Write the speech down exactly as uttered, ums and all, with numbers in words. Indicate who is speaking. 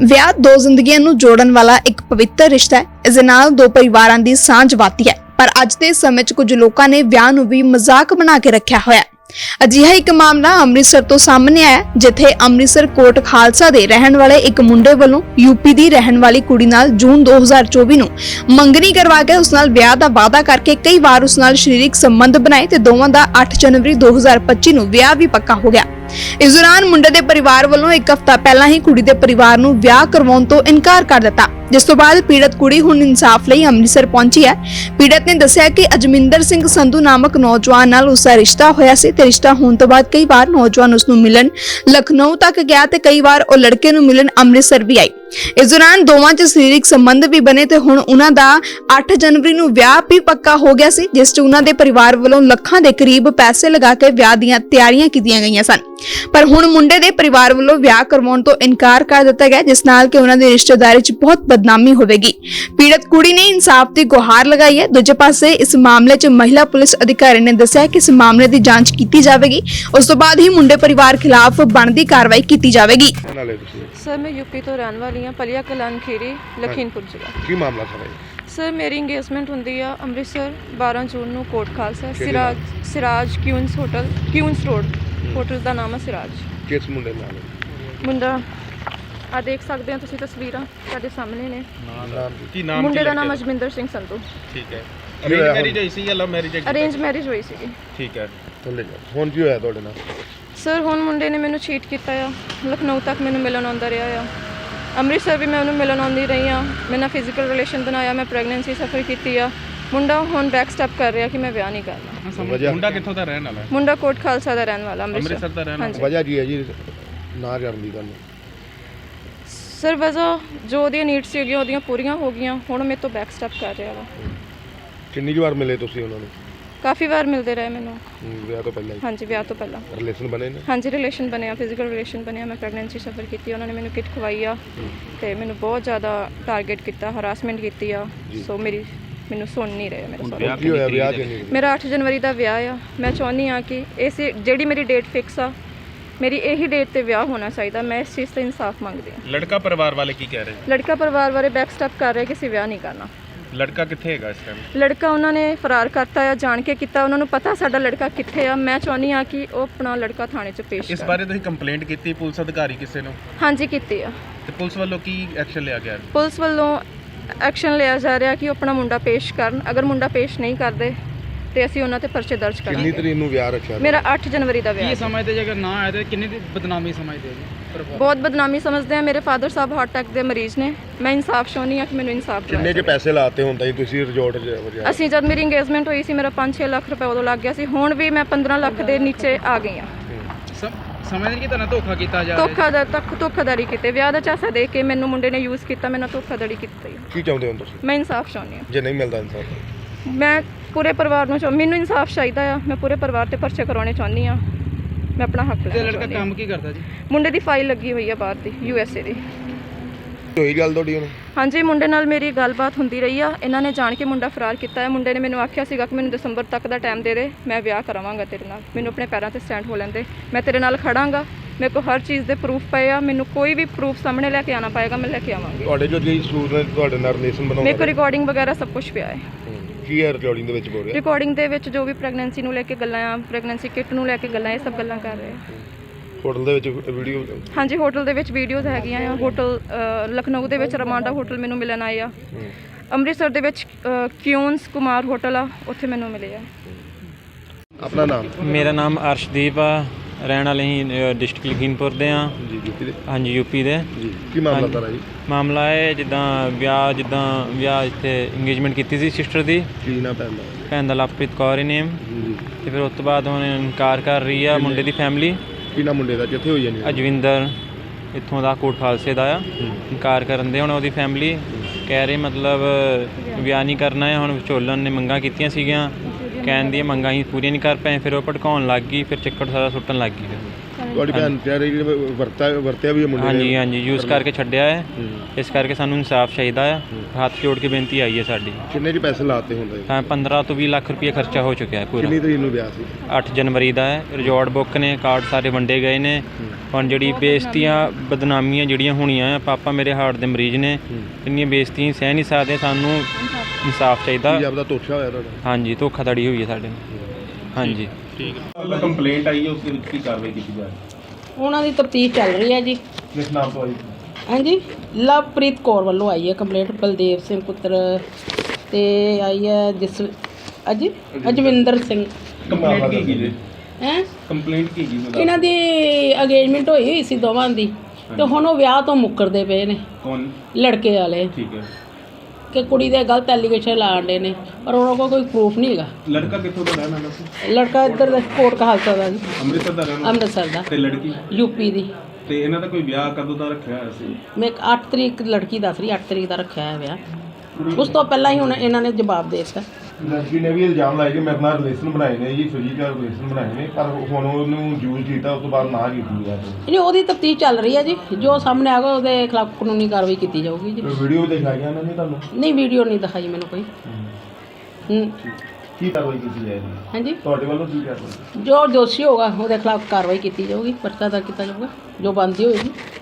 Speaker 1: ਵਿਆਹ ਦੋ ਜ਼ਿੰਦਗੀਆਂ ਨੂੰ ਜੋੜਨ ਵਾਲਾ ਇੱਕ ਪਵਿੱਤਰ ਰਿਸ਼ਤਾ ਹੈ। ਇਸ ਦੇ ਨਾਲ ਦੋ ਪਰਿਵਾਰਾਂ ਦੀ ਸਾਂਝ ਵੱਧਦੀ ਹੈ। ਪਰ ਅੱਜ ਦੇ ਸਮੇਂ 'ਚ ਕੁਝ ਲੋਕਾਂ ਨੇ ਵਿਆਹ ਨੂੰ ਵੀ ਮਜ਼ਾਕ ਬਣਾ ਕੇ ਰੱਖਿਆ ਹੋਇਆ ਹੈ। ਅਜਿਹਾ ਇੱਕ ਮਾਮਲਾ ਅੰਮ੍ਰਿਤਸਰ ਤੋਂ ਸਾਹਮਣੇ ਆਇਆ, ਜਿੱਥੇ ਅੰਮ੍ਰਿਤਸਰ ਕੋਟ ਖਾਲਸਾ ਦੇ ਰਹਿਣ ਵਾਲੇ ਇੱਕ ਮੁੰਡੇ ਵੱਲੋਂ ਯੂਪੀ ਦੀ ਰਹਿਣ ਵਾਲੀ ਕੁੜੀ ਨਾਲ ਜੂਨ ਦੋ ਹਜ਼ਾਰ ਚੌਵੀ ਨੂੰ ਮੰਗਣੀ ਕਰਵਾ ਕੇ ਉਸ ਨਾਲ ਵਿਆਹ ਦਾ ਵਾਅਦਾ ਕਰਕੇ ਕਈ ਵਾਰ ਉਸ ਨਾਲ ਸਰੀਰਕ ਸੰਬੰਧ ਬਣਾਏ ਤੇ ਦੋਵਾਂ ਦਾ ਅੱਠ ਜਨਵਰੀ ਦੋ ਹਜ਼ਾਰ ਪੱਚੀ ਨੂੰ ਵਿਆਹ ਵੀ ਪੱਕਾ ਹੋ ਗਿਆ। ਇਸ ਦੌਰਾਨ ਮੁੰਡੇ ਦੇ ਪਰਿਵਾਰ ਵੱਲੋਂ ਇੱਕ ਹਫ਼ਤਾ ਪਹਿਲਾਂ ਹੀ ਕੁੜੀ ਦੇ ਪਰਿਵਾਰ ਨੂੰ ਵਿਆਹ ਕਰਵਾਉਣ ਤੋਂ ਇਨਕਾਰ ਕਰ ਦਿੱਤਾ, ਜਿਸ ਤੋਂ ਬਾਅਦ ਪੀੜਤ ਕੁੜੀ ਹੁਣ ਇਨਸਾਫ ਲਈ ਅੰਮ੍ਰਿਤਸਰ ਪਹੁੰਚੀ ਹੈ। ਪੀੜਤ ਨੇ ਦੱਸਿਆ ਕਿ ਅਜਮਿੰਦਰ ਸਿੰਘ ਸੰਧੂ ਨਾਮਕ ਨੌਜਵਾਨ ਨਾਲ ਉਸ ਦਾ ਰਿਸ਼ਤਾ ਹੋਇਆ ਸੀ ਤੇ ਰਿਸ਼ਤਾ ਹੋਣ ਤੋਂ ਬਾਅਦ ਕਈ ਵਾਰ ਨੌਜਵਾਨ ਉਸ ਨੂੰ ਮਿਲਣ ਲਖਨਊ ਤੱਕ ਗਿਆ ਤੇ ਕਈ ਵਾਰ ਉਹ ਲੜਕੇ ਨੂੰ ਮਿਲਣ ਅੰਮ੍ਰਿਤਸਰ ਵੀ ਆਈ। ਇਸ ਦੌਰਾਨ ਦੋਵਾਂ 'ਚ ਸਰੀਰਕ ਸੰਬੰਧ ਵੀ ਬਣੇ ਤੇ ਹੁਣ ਉਹਨਾਂ ਦਾ ਅੱਠ ਜਨਵਰੀ ਨੂੰ ਵਿਆਹ ਵੀ ਪੱਕਾ ਹੋ ਗਿਆ ਸੀ, ਜਿਸ 'ਚ ਉਹਨਾਂ ਦੇ ਪਰਿਵਾਰ ਵੱਲੋਂ ਲੱਖਾਂ ਦੇ ਕਰੀਬ ਪੈਸੇ ਲਗਾ ਕੇ ਵਿਆਹ ਦੀਆਂ ਤਿਆਰੀਆਂ ਕੀਤੀਆਂ ਗਈਆਂ ਸਨ। ਪਰ ਹੁਣ ਮੁੰਡੇ ਦੇ ਪਰਿਵਾਰ ਵੱਲੋਂ ਵਿਆਹ ਕਰਵਾਉਣ ਤੋਂ ਇਨਕਾਰ ਕਰ ਦਿੱਤਾ ਗਿਆ, ਜਿਸ ਨਾਲ ਕਿ ਉਹਨਾਂ ਦੀ ਰਿਸ਼ਤੇਦਾਰੀ 'ਚ ਬਹੁਤ ਬਦਨਾਮੀ ਹੋਵੇਗੀ। ਪੀੜਤ ਕੁੜੀ ਨੇ ਇਨਸਾਫ ਦੀ ਗੁਹਾਰ ਲਗਾਈ ਹੈ। ਦੂਜੇ ਪਾਸੇ ਇਸ ਮਾਮਲੇ 'ਚ ਮਹਿਲਾ ਪੁਲਿਸ ਅਧਿਕਾਰੀ ਨੇ ਦੱਸਿਆ ਕਿ ਇਸ ਮਾਮਲੇ ਦੀ ਜਾਂਚ ਕੀਤੀ ਜਾਵੇਗੀ, ਉਸ ਤੋਂ ਬਾਅਦ ਹੀ ਮੁੰਡੇ ਪਰਿਵਾਰ ਖਿਲਾਫ ਬਣਦੀ ਕਾਰਵਾਈ ਕੀਤੀ ਜਾਵੇਗੀ।
Speaker 2: सर मैं यूपी तो रहने वाली हाँ, पलिया कलान खीरी लखीमपुर जिला।
Speaker 3: की मामला सर?
Speaker 2: सर मेरी इंगेजमेंट होंगी है अमृतसर बारह जून ਨੂੰ Kot Khalsa Siraj Siraj Queens hotel Queens road hotel ਦਾ ਨਾਮ ਹੈ ਸਿਰਾਜ।
Speaker 3: ਕਿਸ ਮੁੰਡੇ ਨਾਲ?
Speaker 2: ਮੁੰਡਾ ਆ ਦੇਖ ਸਕਦੇ ਹੋ ਤੁਸੀਂ ਤਸਵੀਰਾਂ ਸਾਡੇ ਸਾਹਮਣੇ ਨੇ।
Speaker 3: ਨਾਮ
Speaker 4: ਕੀ ਨਾਮ?
Speaker 2: ਮੁੰਡੇ ਦਾ ਨਾਮ ਅਜਮਿੰਦਰ ਸਿੰਘ ਸੰਧੂ।
Speaker 4: ਠੀਕ ਹੈ। ਅਰੇਂਜ ਮੈਰਿਜ ਹੋਈ ਸੀ ਜਾਂ ਲਵ ਮੈਰਿਜ?
Speaker 2: ਅਰੇਂਜ ਮੈਰਿਜ ਹੋਈ ਸੀ।
Speaker 4: ਠੀਕ ਹੈ।
Speaker 3: ਥੱਲੇ ਜਾ। ਹੁਣ ਕੀ ਹੋਇਆ ਤੁਹਾਡੇ ਨਾਲ?
Speaker 2: ਸਰ ਹੁਣ ਮੁੰਡੇ ਨੇ ਮੈਨੂੰ ਚੀਟ ਕੀਤਾ ਆ, ਲਖਨਊ ਤੱਕ ਮੈਨੂੰ ਮਿਲਣ ਆਉਂਦਾ ਰਿਹਾ ਆ, ਅੰਮ੍ਰਿਤਸਰ ਵੀ ਮੈਂ ਉਹਨੂੰ ਮਿਲਣ ਆਉਂਦੀ ਰਹੀ ਆ, ਮੈਂ ਨਾਲ ਫਿਜ਼ੀਕਲ ਰਿਲੇਸ਼ਨ ਬਣਾਇਆ, ਮੈਂ ਪ੍ਰੈਗਨੈਂਸੀ ਸਫਰ ਕੀਤੀ ਆ। ਮੁੰਡਾ ਹੁਣ ਬੈਕ ਸਟੈਪ ਕਰ ਰਿਹਾ ਕਿ ਮੈਂ ਵਿਆਹ ਨਹੀਂ ਕਰਨਾ।
Speaker 4: ਮੁੰਡਾ ਕਿੱਥੋਂ ਦਾ ਰਹਿਣ ਵਾਲਾ ਹੈ?
Speaker 2: ਮੁੰਡਾ ਕੋਟ ਖਾਲਸਾ ਦਾ ਰਹਿਣ ਵਾਲਾ,
Speaker 4: ਅੰਮ੍ਰਿਤਸਰ ਦਾ ਰਹਿਣ ਵਾਲਾ।
Speaker 3: ਵਜ੍ਹਾ ਕੀ ਹੈ ਜੀ ਨਾ ਕਰਨ ਦੀ ਗੱਲ?
Speaker 2: ਸਰ ਵਜ੍ਹਾ ਜੋ ਉਹਦੀਆਂ ਨੀਡਸ ਸੀਗੀਆਂ ਉਹਦੀਆਂ ਪੂਰੀਆਂ ਹੋ ਗਈਆਂ, ਹੁਣ ਮੇਰੇ ਤੋਂ ਬੈਕ ਸਟੈਪ ਕਰ ਰਿਹਾ ਵਾ।
Speaker 3: ਕਿੰਨੀ ਵਾਰ ਮਿਲੇ ਤੁਸੀਂ ਉਹਨਾਂ ਨੂੰ?
Speaker 2: ਕਾਫੀ ਵਾਰ ਮਿਲਦੇ ਰਹੇ ਮੈਨੂੰ।
Speaker 3: ਵਿਆਹ ਤੋਂ ਪਹਿਲਾਂ?
Speaker 2: ਹਾਂਜੀ ਵਿਆਹ ਤੋਂ ਪਹਿਲਾਂ
Speaker 3: ਰਿਲੇਸ਼ਨ ਬਣੇ ਨੇ?
Speaker 2: ਹਾਂਜੀ ਰਿਲੇਸ਼ਨ ਬਣਿਆ, ਫਿਜ਼ੀਕਲ ਰਿਲੇਸ਼ਨ ਬਣਿਆ, ਮੈਂ ਪ੍ਰੈਗਨੈਂਸੀ ਸਫਰ ਕੀਤੀ, ਉਹਨਾਂ ਨੇ ਮੈਨੂੰ ਕਿਟ ਖਵਾਈ ਆ ਤੇ ਮੈਨੂੰ ਬਹੁਤ ਜ਼ਿਆਦਾ ਟਾਰਗੇਟ ਕੀਤਾ, ਹਰਾਸਮੈਂਟ ਕੀਤੀ ਆ। ਸੋ ਮੇਰੀ ਮੈਨੂੰ ਸੁਣ ਨਹੀਂ ਰਹੇ ਮੇਰੇ ਸਾਰੇ।
Speaker 3: ਕੀ ਹੋਇਆ ਵਿਆਹ ਕਿੰਨੀ?
Speaker 2: ਮੇਰਾ ਅੱਠ ਜਨਵਰੀ ਦਾ ਵਿਆਹ ਆ। ਮੈਂ ਚਾਹੁੰਦੀ ਹਾਂ ਕਿ ਇਸ ਜਿਹੜੀ ਮੇਰੀ ਡੇਟ ਫਿਕਸ ਆ, ਮੇਰੀ ਇਹੀ ਡੇਟ ਤੇ ਵਿਆਹ ਹੋਣਾ ਚਾਹੀਦਾ। ਮੈਂ ਇਸ ਚੀਜ਼ ਤੇ ਇਨਸਾਫ ਮੰਗਦੀ ਹਾਂ।
Speaker 4: ਲੜਕਾ ਪਰਿਵਾਰ ਵਾਲੇ ਕੀ ਕਹਿ ਰਹੇ?
Speaker 2: ਲੜਕਾ ਪਰਿਵਾਰ ਵਾਲੇ ਬੈਕ ਸਟੈਪ ਕਰ ਰਹੇ ਕਿ ਅਸੀਂ ਵਿਆਹ ਨਹੀਂ ਕਰਨਾ।
Speaker 4: ਲੜਕਾ ਕਿੱਥੇ ਹੈਗਾ ਇਸ ਟਾਈਮ?
Speaker 2: ਲੜਕਾ ਉਹਨਾਂ ਨੇ ਫਰਾਰ ਕਰਤਾ ਆ, ਜਾਣ ਕੇ ਕੀਤਾ। ਉਹਨਾਂ ਨੂੰ ਪਤਾ ਸਾਡਾ ਲੜਕਾ ਕਿੱਥੇ ਆ। ਮੈਂ ਚਾਹੁੰਦੀ ਹਾਂ ਕਿ ਉਹ ਆਪਣਾ ਲੜਕਾ ਥਾਣੇ 'ਚ ਪੇਸ਼
Speaker 4: ਇਸ ਬਾਰੇ ਤੁਸੀਂ ਕੰਪਲੇਂਟ ਕੀਤੀ ਪੁਲਿਸ ਅਧਿਕਾਰੀ ਕਿਸੇ ਨੂੰ?
Speaker 2: ਹਾਂਜੀ ਕੀਤੀ ਆ।
Speaker 4: ਤੇ ਪੁਲਿਸ ਵੱਲੋਂ ਕੀ ਐਕਸ਼ਨ ਲਿਆ ਗਿਆ?
Speaker 2: ਪੁਲਿਸ ਵੱਲੋਂ ਐਕਸ਼ਨ ਲਿਆ ਜਾ ਰਿਹਾ ਕਿ ਉਹ ਆਪਣਾ ਮੁੰਡਾ ਪੇਸ਼ ਕਰਨ। ਅਗਰ ਮੁੰਡਾ ਪੇਸ਼ ਨਹੀਂ ਕਰਦੇ ਤੇ ਅਸੀਂ ਉਹਨਾਂ ਤੇ ਪਰਚੇ ਦਰਜ ਕਰਾਂਗੇ।
Speaker 3: ਕਿੰਨੀ ਤਰੀਕ ਨੂੰ ਵਿਆਹ ਰੱਖਿਆ?
Speaker 2: ਮੇਰਾ ਅੱਠ ਜਨਵਰੀ ਦਾ ਵਿਆਹ।
Speaker 5: ਕੀ ਸਮਝਦੇ ਜੇ ਅਗਰ ਨਾ ਆਏ ਤਾਂ ਕਿੰਨੀ ਬਦਨਾਮੀ ਸਮਝਦੇ ਹੋ ਜੀ?
Speaker 2: ਬਹੁਤ ਬਦਨਾਮੀ ਸਮਝਦੇ ਆ। ਮੇਰੇ ਫਾਦਰ ਸਾਹਿਬ ਹਾਰਟ ਅਟੈਕ ਦੇ ਮਰੀਜ਼ ਨੇ। ਮੈਂ ਇਨਸਾਫ ਚਾਹੁੰਦੀ ਹਾਂ ਕਿ ਮੈਨੂੰ ਇਨਸਾਫ ਦਿਵਾਇਆ
Speaker 3: ਕਿੰਨੇ 'ਚ ਪੈਸੇ ਲਾਤੇ ਹੁੰਦਾ ਜੀ ਤੁਸੀਂ ਰਿਜ਼ੋਰਟ 'ਚ ਵਜਾ?
Speaker 2: ਅਸੀਂ ਜਦ ਮੇਰੀ ਇੰਗੇਜਮੈਂਟ ਹੋਈ ਸੀ ਮੇਰਾ ਪੰਜ ਛੇ ਲੱਖ ਰੁਪਏ ਉਦੋਂ ਲੱਗ ਗਿਆ ਸੀ। ਹੁਣ ਵੀ ਮੈਂ ਪੰਦਰਾਂ ਲੱਖ ਦੇ ਨੀਚੇ ਆ ਗਈ ਹਾਂ।
Speaker 5: ਸਮਝਦੇ ਕਿ ਤੁਹਾਨੂੰ ਧੋਖਾ ਕੀਤਾ ਜਾ ਰਿਹਾ?
Speaker 2: ਧੋਖਾ ਦਾ ਤੱਕ ਧੋਖਾਦਾਰੀ ਕੀਤੇ, ਵਿਆਹ ਦਾ ਚਾਸਾ ਦੇ ਕੇ ਮੈਨੂੰ ਮੁੰਡੇ ਨੇ ਯੂਜ਼ ਕੀਤਾ, ਮੈਨੂੰ ਧੋਖਾਧੜੀ ਕੀਤੀ।
Speaker 3: ਕੀ ਚਾਹੁੰਦੇ ਹੋ ਤੁਸੀਂ?
Speaker 2: ਮੈਂ ਇਨਸਾਫ ਚਾਹੁੰਦੀ ਹਾਂ।
Speaker 3: ਜੇ ਨਹੀਂ ਮਿਲਦਾ ਇਨਸਾਫ?
Speaker 2: ਮੈਂ ਪੂਰੇ ਪਰਿਵਾਰ ਨੂੰ ਚਾਹ ਮੈਨੂੰ ਇਨਸਾਫ ਚਾਹੀਦਾ ਆ। ਮੈਂ ਪੂਰੇ ਪਰਿਵਾਰ ਤੇ ਪਰਚੇ ਕਰਾਉਣੇ ਚਾਹੁੰਦੀ ਹਾਂ। ਮੈਂ ਆਪਣਾ ਹੱਕ ਲੈਣਾ
Speaker 5: ਲੜਕਾ
Speaker 2: ਚਾਹੁੰਦੀ ਹਾਂ।
Speaker 5: ਕੰਮ ਕੀ ਕਰਦਾ ਜੀ?
Speaker 2: ਮੁੰਡੇ ਦੀ ਫਾਈਲ ਲੱਗੀ ਹੋਈ ਆ ਬਾਹਰ ਦੀ, ਯੂ ਐਸ ਏ ਦੀ।
Speaker 3: ਹੋਈ ਗੱਲ ਤੁਹਾਡੀ ਹੁਣ?
Speaker 2: ਹਾਂਜੀ ਮੁੰਡੇ ਨਾਲ ਮੇਰੀ ਗੱਲਬਾਤ ਹੁੰਦੀ ਰਹੀ ਆ। ਇਹਨਾਂ ਨੇ ਜਾਣ ਕੇ ਮੁੰਡਾ ਫਰਾਰ ਕੀਤਾ ਹੈ। ਮੁੰਡੇ ਨੇ ਮੈਨੂੰ ਆਖਿਆ ਸੀਗਾ ਕਿ ਮੈਨੂੰ ਦਸੰਬਰ ਤੱਕ ਦਾ ਟਾਈਮ ਦੇ ਦੇ, ਮੈਂ ਵਿਆਹ ਕਰਾਵਾਂਗਾ ਤੇਰੇ ਨਾਲ, ਮੈਨੂੰ ਆਪਣੇ ਪੈਰਾਂ ਤੇ ਸਟੈਂਡ ਹੋ ਲੈਂਦੇ, ਮੈਂ ਤੇਰੇ ਨਾਲ ਖੜਾਂਗਾ, ਮੇਰੇ ਕੋਲ ਹਰ ਚੀਜ਼ ਦੇ ਪ੍ਰੂਫ ਪਏ ਆ, ਮੈਨੂੰ ਕੋਈ ਵੀ ਪ੍ਰੂਫ ਸਾਹਮਣੇ ਲੈ ਕੇ ਆਉਣਾ ਪਏਗਾ, ਮੈਂ ਲੈ ਕੇ ਆਵਾਂਗੀ।
Speaker 3: ਤੁਹਾਡੇ ਜੋ ਜੀ ਸੂਰ ਨੇ ਤੁਹਾਡੇ ਨਾਲ ਰਿਲੇਸ਼ਨ ਬਣਾਉਣਾ?
Speaker 2: ਮੇਰੇ ਕੋਲ ਰਿਕਾਰਡਿੰਗ ਵਗੈਰਾ ਸਭ ਕੁਝ ਪਿਆ ਹੈ।
Speaker 3: ਕੀ ਹੈ ਰਿਕਾਰਡਿੰਗ ਦੇ ਵਿੱਚ ਬੋਲ ਰਿਹਾ?
Speaker 2: ਰਿਕਾਰਡਿੰਗ ਦੇ ਵਿੱਚ ਜੋ ਵੀ ਪ੍ਰੈਗਨੈਂਸੀ ਨੂੰ ਲੈ ਕੇ ਗੱਲਾਂ ਆ, ਪ੍ਰੈਗਨੈਂਸੀ ਕਿਟ ਨੂੰ ਲੈ ਕੇ ਗੱਲਾਂ, ਇਹ ਸਭ ਗੱਲਾਂ ਕਰ ਰਹੇ ਆ।
Speaker 3: ਹੋਟਲ ਦੇ ਵਿੱਚ ਵੀਡੀਓ?
Speaker 2: ਹਾਂਜੀ ਹੋਟਲ ਦੇ ਵਿੱਚ ਵੀਡੀਓਜ਼ ਹੈਗੀਆਂ ਆ। ਹੋਟਲ ਲਖਨਊ ਦੇ ਵਿੱਚ ਰਮਾਂਡਾ ਹੋਟਲ ਮੈਨੂੰ ਮਿਲਣ ਆਏ ਆ। ਅੰਮ੍ਰਿਤਸਰ ਦੇ ਵਿੱਚ ਕਿਊਨਸ ਕੁਮਾਰ ਹੋਟਲ ਆ, ਉੱਥੇ ਮੈਨੂੰ ਮਿਲੇ ਆ।
Speaker 3: ਆਪਣਾ ਨਾਮ?
Speaker 6: ਮੇਰਾ ਨਾਮ ਅਰਸ਼ਦੀਪ ਆ, ਰਹਿਣ ਵਾਲੇ ਹੀ ਡਿਸਟ੍ਰਿਕਟ ਲਖੀਮਪੁਰ ਦੇ ਆ।
Speaker 3: ਜੀ ਯੂਪੀ ਦੇ?
Speaker 6: ਹਾਂਜੀ ਯੂਪੀ ਦੇ
Speaker 3: ਜੀ। ਕੀ ਮਾਮਲਾ ਤਾਰਾ ਜੀ?
Speaker 6: ਮਾਮਲਾ ਹੈ ਜਿੱਦਾਂ ਵਿਆਹ ਜਿੱਦਾਂ ਵਿਆਹ ਇੱਥੇ ਇੰਗੇਜਮੈਂਟ ਕੀਤੀ ਸੀ ਸਿਸਟਰ ਦੀ।
Speaker 3: ਕੀ ਨਾ ਭੈਣ ਦਾ?
Speaker 6: ਭੈਣ ਦਾ ਲਵਪ੍ਰੀਤ ਕੌਰ ਹੀ ਨੇਮ।
Speaker 3: ਜੀ।
Speaker 6: ਤੇ ਫਿਰ ਉਸ ਤੋਂ ਬਾਅਦ ਹੁਣ ਇਨਕਾਰ ਕਰ ਰਹੀ ਆ ਮੁੰਡੇ ਦੀ ਫੈਮਿਲੀ।
Speaker 3: ਕੀ ਨਾ ਮੁੰਡੇ ਦਾ? ਕਿੱਥੇ ਹੋਈ ਜਾਨੀ?
Speaker 6: ਅਜਵਿੰਦਰ ਇੱਥੋਂ ਦਾ ਕੋਟ ਖਾਲਸੇ ਦਾ ਆ। ਇਨਕਾਰ ਕਰਨ ਦੇ ਹੁਣ ਉਹਦੀ ਫੈਮਿਲੀ ਕਹਿ ਰਹੀ ਮਤਲਬ ਵਿਆਹ ਨਹੀਂ ਕਰਨਾ ਹੈ। ਹੁਣ ਵਿਚੋਲਨ ਨੇ ਮੰਗਾਂ ਕੀਤੀਆਂ ਸੀਗੀਆਂ, ਕਹਿਣ ਦੀਆਂ ਮੰਗਾਂ ਹੀ ਪੂਰੀਆਂ ਨਹੀਂ ਕਰ ਪਏ। ਫਿਰ ਉਹ ਭੜਕਾਉਣ ਲੱਗ ਗਈ, ਫਿਰ ਚੱਕਰ ਸਾਰਾ ਸੁੱਟਣ ਲੱਗ ਗਈ। ਫਿਰ
Speaker 3: ਤੁਹਾਡੀ ਭੈਣ ਕਹਿ ਰਹੀ ਵਰਤਾ ਵਰਤਿਆ ਵੀ ਮੁੰਡੇ ਨੇ?
Speaker 6: ਹਾਂਜੀ ਹਾਂਜੀ ਯੂਜ਼ ਕਰਕੇ ਛੱਡਿਆ ਹੈ। ਇਸ ਕਰਕੇ ਸਾਨੂੰ ਇਨਸਾਫ ਚਾਹੀਦਾ ਆ। ਹੱਥ ਜੋੜ ਕੇ ਬੇਨਤੀ ਆਈ ਹੈ ਸਾਡੀ।
Speaker 3: ਕਿੰਨੇ 'ਚ ਪੈਸੇ ਲਾਤੇ ਹੁੰਦੇ?
Speaker 6: ਹਾਂ ਪੰਦਰਾਂ ਤੋਂ ਵੀਹ ਲੱਖ ਰੁਪਏ ਖਰਚਾ ਹੋ ਚੁੱਕਿਆ ਹੈ ਪੂਰਾ।
Speaker 3: ਕਿੰਨੀ ਤਰੀਕ ਨੂੰ ਵਿਆਹ ਸੀ?
Speaker 6: ਅੱਠ ਜਨਵਰੀ ਦਾ ਹੈ। ਰਿਜ਼ੋਰਟ ਬੁੱਕ ਨੇ, ਕਾਰਡ ਸਾਰੇ ਵੰਡੇ ਗਏ ਨੇ। ਹੁਣ ਜਿਹੜੀ ਬੇਇੱਜ਼ਤੀਆਂ ਬਦਨਾਮੀਆਂ ਜਿਹੜੀਆਂ ਹੋਣੀਆਂ ਆ, ਪਾਪਾ ਮੇਰੇ ਹਾਰਟ ਦੇ ਮਰੀਜ਼ ਨੇ, ਇੰਨੀਆਂ ਬੇਇੱਜ਼ਤੀਆਂ ਸਹਿ ਨਹੀਂ ਸਕਦੇ, ਸਾਨੂੰ ਇਨਸਾਫ ਚਾਹੀਦਾ।
Speaker 3: ਕੀ ਆਪਦਾ ਤੋਛਾ ਹੋਇਆ ਤੁਹਾਡਾ?
Speaker 6: ਹਾਂਜੀ, ਧੋਖਾਧੜੀ ਹੋਈ ਹੈ ਸਾਡੇ ਨਾਲ। ਹਾਂਜੀ
Speaker 4: ਠੀਕ ਹੈ। ਕੰਪਲੇਂਟ ਆਈ ਹੈ, ਉਸ ਦੇ ਵਿੱਚ ਕੀ ਕਾਰਵਾਈ ਕੀਤੀ ਜਾ ਰਹੀ ਹੈ?
Speaker 7: ਉਹਨਾਂ ਦੀ ਤਫਤੀਸ਼ ਚੱਲ ਰਹੀ ਹੈ ਜੀ।
Speaker 3: ਕਿਸ ਨਾਮ ਤੋਂ ਆਈ?
Speaker 7: ਹਾਂਜੀ, ਲਵਪ੍ਰੀਤ ਕੌਰ ਵੱਲੋਂ ਆਈ ਹੈ ਕੰਪਲੇਂਟ, ਬਲਦੇਵ ਸਿੰਘ ਪੁੱਤਰ ਤੇ ਆਈ ਹੈ ਜਿਸ ਅਜੀ ਅਜਵਿੰਦਰ ਸਿੰਘ।
Speaker 4: ਕੰਪਲੇਂਟ ਕੀ ਕੀ ਜੀ?
Speaker 7: ਹੈ
Speaker 4: ਕੰਪਲੇਂਟ ਕੀ ਕੀ?
Speaker 7: ਇਹਨਾਂ ਦੀ ਅਗੇਜਮੈਂਟ ਹੋਈ ਹੋਈ ਸੀ ਦੋਵਾਂ ਦੀ, ਤੇ ਹੁਣ ਉਹ ਵਿਆਹ ਤੋਂ ਮੁੱਕਰਦੇ ਪਏ ਨੇ
Speaker 4: ਕੌਣ?
Speaker 7: ਲੜਕੇ ਵਾਲੇ,
Speaker 4: ਠੀਕ ਹੈ।
Speaker 7: ਕਿ ਕੁੜੀ ਦੇ ਗਲਤ ਐਲੀਗੇਸ਼ਨ ਲਾਉਂਦੇ ਨੇ, ਪਰ ਉਹਨਾਂ ਕੋਲ ਕੋਈ ਪ੍ਰੂਫ ਨਹੀਂ ਹੈਗਾ।
Speaker 4: ਲੜਕਾ ਕਿੱਥੋਂ ਦਾ ਰਹਿਣ ਵਾਲਾ ਸੀ?
Speaker 7: ਲੜਕਾ ਇੱਧਰ ਦਾ ਕੋਟ ਕਹਾਲਸਾ ਦਾ ਜੀ,
Speaker 4: ਅੰਮ੍ਰਿਤਸਰ ਦਾ ਰਹਿਣ ਵਾਲਾ?
Speaker 7: ਅੰਮ੍ਰਿਤਸਰ ਦਾ।
Speaker 4: ਤੇ ਲੜਕੀ?
Speaker 7: ਯੂਪੀ ਦੀ।
Speaker 4: ਤੇ ਇਹਨਾਂ ਦਾ ਕੋਈ ਵਿਆਹ ਕਦੋਂ ਦਾ ਰੱਖਿਆ ਹੋਇਆ ਸੀ?
Speaker 7: ਮੈਂ ਅੱਠ ਤਰੀਕ ਲੜਕੀ ਦੱਸ ਰਹੀ, ਅੱਠ ਤਰੀਕ ਦਾ ਰੱਖਿਆ ਹੈ ਵਿਆਹ। ਉਸ ਤੋਂ ਪਹਿਲਾਂ ਹੀ ਹੁਣ ਇਹਨਾਂ ਨੇ ਜਵਾਬ ਦੇ ਦਿੱਤਾ।
Speaker 3: ਲੜਕੀ ਨੇ ਵੀ ਇਲਜ਼ਾਮ ਲਾਇਆ ਕਿ ਮੇਰੇ ਨਾਲ ਰਿਲੇਸ਼ਨ ਬਣਾਏ ਨੇ ਜੀ, ਫਿਜ਼ੀਕਲ ਰਿਲੇਸ਼ਨ ਬਣਾਏ ਨੇ, ਪਰ ਹੁਣ ਉਹਨੂੰ ਯੂਜ਼ ਕੀਤਾ, ਉਸ ਤੋਂ ਬਾਅਦ ਨਾ ਕੀਤੀ ਗਿਆ।
Speaker 7: ਨਹੀਂ, ਉਹਦੀ ਤਫਤੀਸ਼ ਚੱਲ ਰਹੀ ਹੈ ਜੀ, ਜੋ ਸਾਹਮਣੇ ਆਗਾ ਉਹਦੇ ਖਿਲਾਫ ਕਾਨੂੰਨੀ ਕਾਰਵਾਈ ਕੀਤੀ ਜਾਊਗੀ ਜੀ।
Speaker 3: ਵੀਡੀਓ ਦਿਖਾਈਆਂ ਇਹਨਾਂ ਨੇ ਤੁਹਾਨੂੰ?
Speaker 7: ਨਹੀਂ, ਵੀਡੀਓ ਨਹੀਂ ਦਿਖਾਈ ਮੈਨੂੰ ਕੋਈ। ਹੂੰ,
Speaker 3: ਕੀ ਕਾਰਵਾਈ ਕੀਤੀ ਜਾਏਗੀ
Speaker 7: ਹਾਂਜੀ,
Speaker 3: ਤੁਹਾਡੇ ਵੱਲੋਂ? ਕੀ ਕਾਰਵਾਈ?
Speaker 7: ਜੋ ਦੋਸ਼ੀ ਹੋਗਾ ਉਹਦੇ ਖਿਲਾਫ ਕਾਰਵਾਈ ਕੀਤੀ ਜਾਊਗੀ, ਪਰਚਾ ਦਰਜ ਕੀਤਾ ਜਾਊਗਾ, ਜੋ ਬਣਦੀ ਹੋਏਗੀ।